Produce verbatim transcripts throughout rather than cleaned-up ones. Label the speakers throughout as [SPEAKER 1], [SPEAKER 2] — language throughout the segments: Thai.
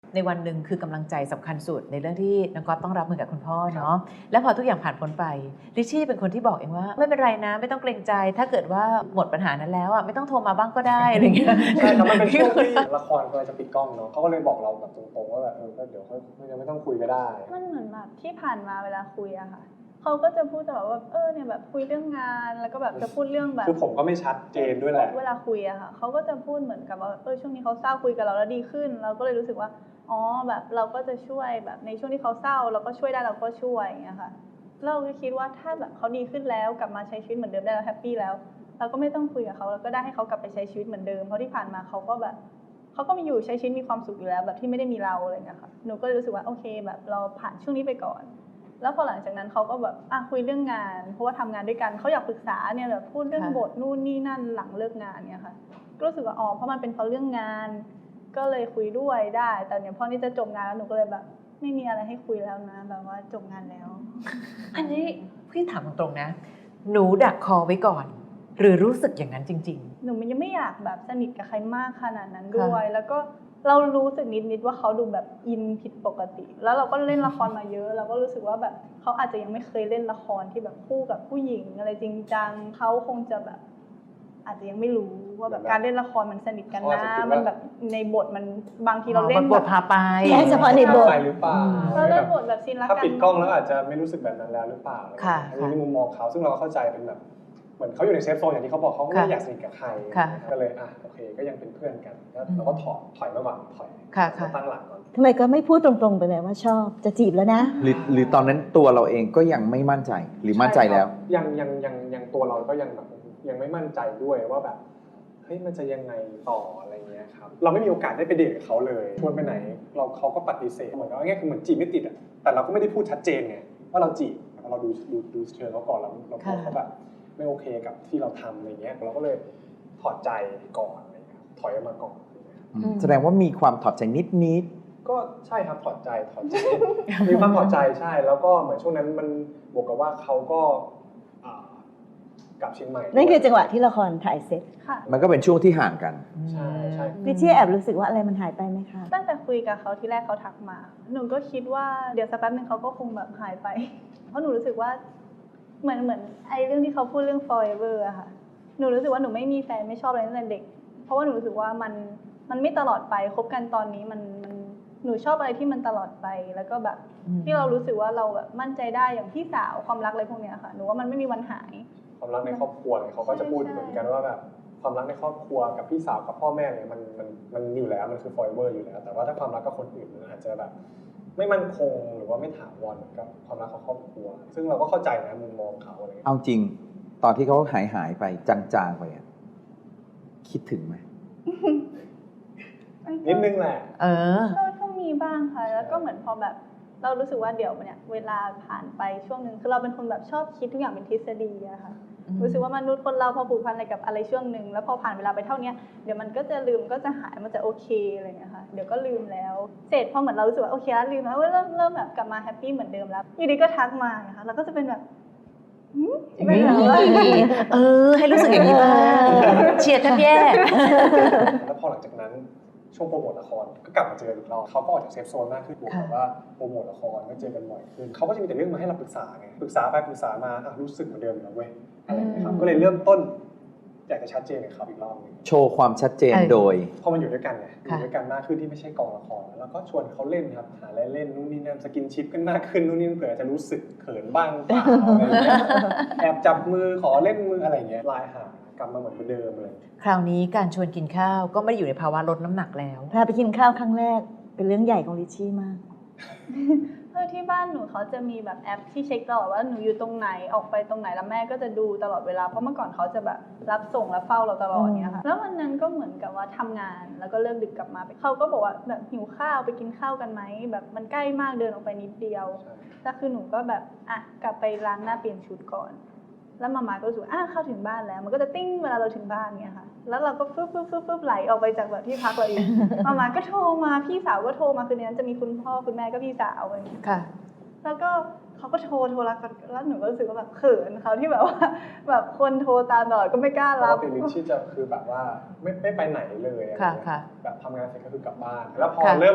[SPEAKER 1] ในวันหนึ่งคือกำลังใจสำคัญสุดในเรื่องที่น้องก๊อตต้องรับมือกับคุณพ่อเนาะแล้วพอทุกอย่างผ่านพ้นไปริชชี่เป็นคนที่บอกเองว่าไม่เป็นไรนะไม่ต้องเกรงใจถ้าเกิดว่าหมดปัญหานั้นแล้วอ่ะไม่ต้องโทรมาบ้างก็ได้อะไรเงี้ย
[SPEAKER 2] ใช่ครับมันเป็นช่วงที่ละครกำลังจะปิดกล้องเนาะเขาก็เลยบอกเราแบบตรงๆว่าแบบเออเดี๋ยวค่อยยังไม่ต้องคุยก็ได้
[SPEAKER 3] มันเหมือนแบบที่ผ่านมาเวลาคุยอะค่ะเขาก็จะพูดตลอดว่าเออเนี่ยแบบคุยเรื่องงานแล้วก็แบบจะพูดเรื่องแบบ
[SPEAKER 2] คือผมก็ไม่ชัดเจนด้วยแหละ
[SPEAKER 3] เวลาคุยอะค่ะเขาก็จะพูดเหมือนกับว่าเออช่วงนี้เขาเศร้าคุยกับเราแล้วดีขึ้นเราก็เลยรู้สึกว่าอ๋อแบบเราก็จะช่วยแบบในช่วงที่เขาเศร้าเราก็ช่วยได้เราก็ช่วยอย่างเงี้ยค่ะเราก็คิดว่าถ้าแบบเขาดีขึ้นแล้วกลับมาใช้ชีวิตเหมือนเดิมได้แล้วแฮปปี้แล้วเราก็ไม่ต้องคุยกับเขาเราก็ได้ให้เขากลับไปใช้ชีวิตเหมือนเดิมเพราะที่ผ่านมาเขาก็แบบเขาก็มีอยู่ใช้ชีวิตมีความสุขอยู่แล้วแบบที่ไม่ได้มีเราอะไรเงี้ยค่ะหนูก็เลยรู้สึกว่าโอเคแบบเราผ่านช่วงนี้ไปก่อนแล้วพอหลังจากนั้นเขาก็แบบอ่ะคุยเรื่องงานเพราะว่าทำงานด้วยกันเขาอยากปรึกษาเนี่ยแบบพูดเรื่องบทนู่นนี่นั่นหลังเลิกงานเนี่ยค่ะก็รู้สึกว่าอ๋อเพราะมันเป็นเพราะเรื่องงานก็เลยคุยด้วยได้แต่เนี่ยพอนี่จะจบงานแล้วหนูก็เลยแบบไม่มีอะไรให้คุยแล้วนะแบบว่าจบงานแล้ว
[SPEAKER 1] อันนี้พี่ถามตรงๆนะหนูดักคอไว้ก่อนหรือรู้สึกอย่างนั้นจริง
[SPEAKER 3] ๆหนูมันยังไม่อยากแบบสนิทกับใครมากขนาดนั้นด้วยแล้วก็เรารู้สึกนิดๆว่าเขาดูแบบอินผิดปกติแล้วเราก็เล่นละครมาเยอะเราก็รู้สึกว่าแบบเขาอาจจะยังไม่เคยเล่นละครที่แบบคู่กับผู้หญิงอะไรจริงจังเขาคงจะแบบอาจจะยังไม่รู้ว่าแบบการเล่นละครมันสนิทกันนะมันแบบในบทมันบางทีเราเล่น
[SPEAKER 1] บทพาไป
[SPEAKER 4] แค่เฉพาะในบท
[SPEAKER 2] หรือเปล่า
[SPEAKER 3] เราเล่นบทแบบซีนรักกัน
[SPEAKER 2] ถ้าปิดกล้องแล้วอาจจะไม่รู้สึกแบบนั้นแล้วหรือเปล่าอันนี้ในมุมมองเขาซึ่งเราเข้าใจเป็นแบบเหมือนเขาอยู่ในเซฟโซนอย่างที่เขาบอกเขาไม่อยากสนิทกับใครก็เลยอ่ะโอเคก็ยังเป็นเพื่อนกันแล้วก็ถอยถอยมาก่อนถอยตั้งหลักก่อน
[SPEAKER 4] ทำไมก็ไม่พูดตรงๆไปเลยว่าชอบจะจีบแล้วนะ
[SPEAKER 5] หรือหรือตอนนั้นตัวเราเองก็ยังไม่มั่นใจหรือมั่นใจแล้ว
[SPEAKER 2] ยังยังยังยังตัวเราก็ยังแบบยังไม่มั่นใจด้วยว่าแบบเฮ้ยมันจะยังไงต่ออะไรเงี้ยครับเราไม่มีโอกาสได้ไปเดทกับเขาเลยชวนไปไหนเราเขาก็ปฏิเสธเหมือนกับง่ายคือเหมือนจีบไม่ติดอ่ะแต่เราก็ไม่ได้พูดชัดเจนไงว่าเราจีบเราดูดูดูเชิงเขาก่อนเราเราพอเขาแบบไม่โอเคกับที่เราทำอะไรเงี้ยเราก็เลยถอดใจก่อนอะไรเงี้ยถอยออกมาก่อน
[SPEAKER 5] แสดงว่ามีความถอดใจนิดนิด
[SPEAKER 2] ก็ใช่ครับถอดใจถอดใจมีความถอดใจใช่แล้วก็เหมือนช่วงนั้นมันบวกกับว่าเขาก็กลับเชียงใหม่
[SPEAKER 4] นั่นคือจังหวะที่ละครถ่ายเสร็จ
[SPEAKER 3] ค่ะ
[SPEAKER 5] มันก็เป็นช่วงที่ห่างกัน
[SPEAKER 2] ใช่ใช่
[SPEAKER 4] ริชชี่แอบรู้สึกว่าอะไรมันหายไปไหมคะ
[SPEAKER 3] ตั้งแต่คุยกับเขาที่แรกเขาทักมาหนูก็คิดว่าเดี๋ยวสักแป๊บนึงเขาก็คงแบบหายไปเพราะหนูรู้สึกว่าเหมือนเหมือนไอ้เรื่องที่เขาพูดเรื่อง forever อะค่ะหนูรู้สึกว่าหนูไม่มีแฟนไม่ชอบอะไรตั้งแต่เด็กเพราะว่าหนูรู้สึกว่ามันมันไม่ตลอดไปคบกันตอนนี้มันมันหนูชอบอะไรที่มันตลอดไปแล้วก็แบบที่เรารู้สึกว่าเราแบบมั่นใจได้อย่างพี่สาวความรักอะไรพวกเนี้ยค่ะหนูว่ามันไม่มีวันหาย
[SPEAKER 2] ความรักในครอบครัวเนี่ยเขาก็จะพูดเหมือนกันว่าแบบความรักในครอบครัวกับพี่สาวกับพ่อแม่เนี่ยมันมันมันอยู่แล้วมันคือ forever อยู่แล้วแต่ว่าถ้าความรักกับคนอื่นมันอาจจะแบบไม่มั่นคงหรือว่าไม่ถาวรกับความรักของครอบครัวซึ่งเราก็เข้าใจนะมุมมองเขาอะไร
[SPEAKER 5] เอาจริงตอนที่เขาหายหายไปจางๆไปคิดถึงไหม
[SPEAKER 2] นิดนึงแหละ
[SPEAKER 1] เออ
[SPEAKER 3] ก็มีบ้างค่ะแล้วก็เหมือนพอแบบเรารู้สึกว่าเดี๋ยวเนี่ยเวลาผ่านไปช่วงนึงคือเราเป็นคนแบบชอบคิดทุกอย่างเป็นทฤษฎีอะค่ะรู้สึกว่ามนุษย์คนเราพอผูกพันอะไรกับอะไรช่วงนึงแล้วพอผ่านเวลาไปเท่านี้เดี๋ยวมันก็จะลืมก็จะหายมันจะโอเคอะไรอย่างเงี้ยค่ะเดี๋ยวก็ลืมแล้วเสร็จพอเหมือนเรารู้สึกว่าโอเคแล้วลืมแล้วเริ่มเริ่มแบบกลับมาแฮปปี้เหมือนเดิมแล้วอยู่ดีก็ทักมานะคะเราก็จะเป็นแบบ
[SPEAKER 1] ไม่เออให้รู้สึกอย่างนี้บ้างเชียร์แทบแย่
[SPEAKER 2] แล้วพอหลังจากนั้นช่วงโปรโมทละครก็กลับมาเจออีกรอบเขาก็ออกจากเซฟโซนมากขึ้นบวกกับว่าโปรโมทละครก็เจอกันบ่อยขึ้นเขาก็จะมีแต่เรื่องมาให้เราปรึกษาไงปรึกษาไปปรึกษามารู้สึกเหมือนเดิมแล้วเว้ยอะไรอย่างเงี้ยครับก็เลยเริ่มต้นอยากจะชัดเจนกับเขาอีกรอบนึง
[SPEAKER 5] โชว์ความชัดเจนโดย
[SPEAKER 2] พอมันอยู่ด้วยกันไงอยู่ด้วยกันมากขึ้นที่ไม่ใช่กองละครแล้วก็ชวนเขาเล่นครับหาอะไรเล่นนู่นนี่นั่นสกินชิปกันมากขึ้นนู่นนี่เผื่อจะรู้สึกเขินบ้างเปล่าอะไรอย่างเงี้ยแอบจับมือขอเล่นมืออะไรอย่างเงี้ยไลน์หากลับมาเหมือนเดิมเลย
[SPEAKER 1] คราวนี้การชวนกินข้าวก็ไม่ได้อยู่ในภาวะลดน้ำหนักแล้ว
[SPEAKER 4] พาไปกินข้าวครั้งแรกเป็นเรื่องใหญ่ของริชชี่มาก
[SPEAKER 3] เออที่บ้านหนูเขาจะมีแบบแอปที่เช็คตลอดว่าหนูอยู่ตรงไหนออกไปตรงไหนแล้วแม่ก็จะดูตลอดเวลาเพราะเมื่อก่อนเขาจะแบบรับส่งและเฝ้าเราตลอดเนี้ยค่ะแล้ววันนั้นก็เหมือนกับว่าทำงานแล้วก็เลิกดึกกลับมาเขาก็บอกว่าแบบหิวข้าวไปกินข้าวกันไหมแบบมันใกล้มากเดินออกไปนิดเดียวแต่คือหนูก็แบบอ่ะกลับไปล้างหน้าเปลี่ยนชุดก่อนแล้วมาม่าก็รู้สึกอ่ะเข้าถึงบ้านแล้วมันก็จะติ้งเวลาเราถึงบ้านเนี้ยค่ะแล้วเราก็ฟึ๊บฟึ๊บฟึ๊บฟึ๊บไหลออกไปจากแบบที่พักเราเองมาม่าก็โทรมาพี่สาวก็โทรมาคือในนั้นจะมีคุณพ่อคุณแม่ก็พี่สาวอะไรอย่างเงี้ย
[SPEAKER 1] ค่ะ
[SPEAKER 3] แล้วก็เขาก็โทรโทรรักกันแล้วหนูก็รู้สึกว่าแบบเขินเขาที่แบบว่าแบบคนโทรตามตลอดก็ไม่กล้ารับ
[SPEAKER 2] เพราะว่าเป็นลิชชี่จะคือแบบว่าไม่ไม่ไปไหนเลย
[SPEAKER 1] ค่ะค่ะ
[SPEAKER 2] แบบทำงานเสร็จก็คือกลับบ้านแล้วพอเริ่ม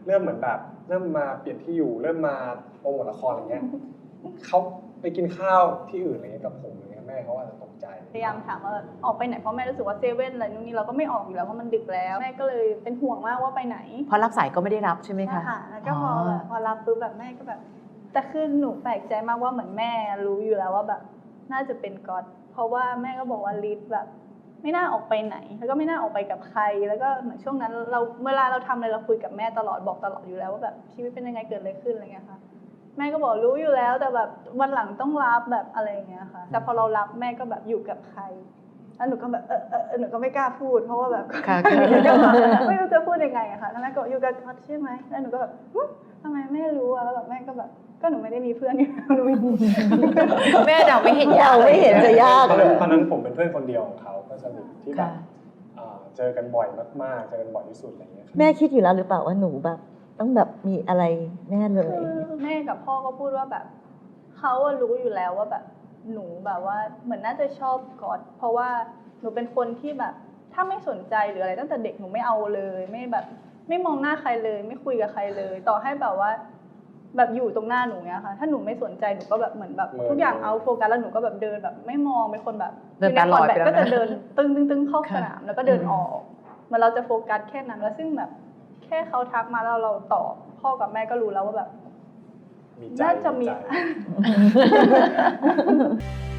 [SPEAKER 2] เริ่มเหมือนแบบเริ่มมาเปลี่ยนที่อยู่เริ่มมาโปรโมทละครอะไรเงี้ยเขาไปกินข้าวที่อื่นอะไรเงี้ยกับผมอะไรเงี้ยแม่เขาอาจจะตกใจ
[SPEAKER 3] พยายามถามว่าออกไปไหนเพราะแม่รู้สึกว่าเซเว่นอะไรนู่นนี่เราก็ไม่ออกอยู่แล้วเพราะมันดึกแล้วแม่ก็เลยเป็นห่วงมากว่าไปไหน
[SPEAKER 1] เพราะรับสายก็ไม่ได้รับใช่ไหมคะ
[SPEAKER 3] ค่ะแล้วก็พอแบบพอรับปุ๊บแบบแม่ก็แบบแต่คือหนูแปลกใจมากว่าเหมือนแม่รู้อยู่แล้วว่าแบบน่าจะเป็นก๊อตเพราะว่าแม่ก็บอกว่าลิศแบบไม่น่าออกไปไหนแล้วก็ไม่น่าออกไปกับใครแล้วก็เหมือนช่วงนั้นเราเวลาเราทำอะไรเราคุยกับแม่ตลอดบอกตลอดอยู่แล้วว่าแบบชีวิตเป็นยังไงเกิดอะไรขึ้นอะไรเงี้ยค่ะแม่ก็บอกรู้อยู่แล้วแต่แบบวันหลังต้องรับแบบอะไรอย่างเงี้ยค่ะแต่พอเรารับแม่ก็แบบอยู่กับใครแล้วหนูก็แบบเออเออหนูก็ไม่กล้าพูดเพราะว่าแบบ
[SPEAKER 1] ค่ะ
[SPEAKER 3] ไม่รู้จะพูดยังไงอะค่ะแล้วแม่ก็อยู่กับก๊อตใช่ไหมแล้วหนูก็แบบทำไมแม่รู้อะแล้วแบบแม่ก็แบบก็หนูไม่ได้มีเพื่อนอยู่แล้วหนูไม่รู้
[SPEAKER 1] แม่เดาไม่เห็นยาก
[SPEAKER 4] เราไม่เห็นจะยาก
[SPEAKER 2] ตอน
[SPEAKER 4] เล
[SPEAKER 2] นั้น
[SPEAKER 4] ย
[SPEAKER 2] ตอนนั้นผมเป็นเพื่อนคนเดียวของเขาก็สนิทที่แบบ
[SPEAKER 1] ค่ะ
[SPEAKER 2] อ่าเจอกันบ่อยมากๆเจอกันบ่อยที่สุดอะไรเงี้ย
[SPEAKER 4] แม่คิดอยู่แล้วหรือเปล่าว่าหนูแบบต้องแบบมีอะไรแน่เลย
[SPEAKER 3] คือแม่กับพ่อก็พูดว่าแบบเขาอะรู้อยู่แล้วว่าแบบหนูแบบว่าเหมือนน่าจะชอบก๊อตเพราะว่าหนูเป็นคนที่แบบถ้าไม่สนใจหรืออะไรตั้งแต่เด็กหนูไม่เอาเลยไม่แบบไม่มองหน้าใครเลย ไม่คุยกับใครเลย ต่อให้แบบว่า แบบอยู่ตรงหน้าหนูเนี้ยค่ะถ้าหนูไม่สนใจหนูก็แบบเหมือนแบบทุกอย่างเอาโฟกัสแล้วหนูก็แบบเดินแบบไม่มองเป็นคนแบบ
[SPEAKER 1] เดินตาลอยไปแล้วนะ
[SPEAKER 3] ก็จะเดินตึ้งตึ้งตึ้งเข้า
[SPEAKER 1] ค่ะ
[SPEAKER 3] สนามแล้วก็เดินออกเหมือนเราจะโฟกัสแค่นั้นแล้วซึ่งแบบแค่เขาทักมาแล้วเราตอบพ่อกับแม่ก็รู้แล้วว่าแบบ
[SPEAKER 2] มีใจ
[SPEAKER 3] น่าจะมี
[SPEAKER 2] ใจ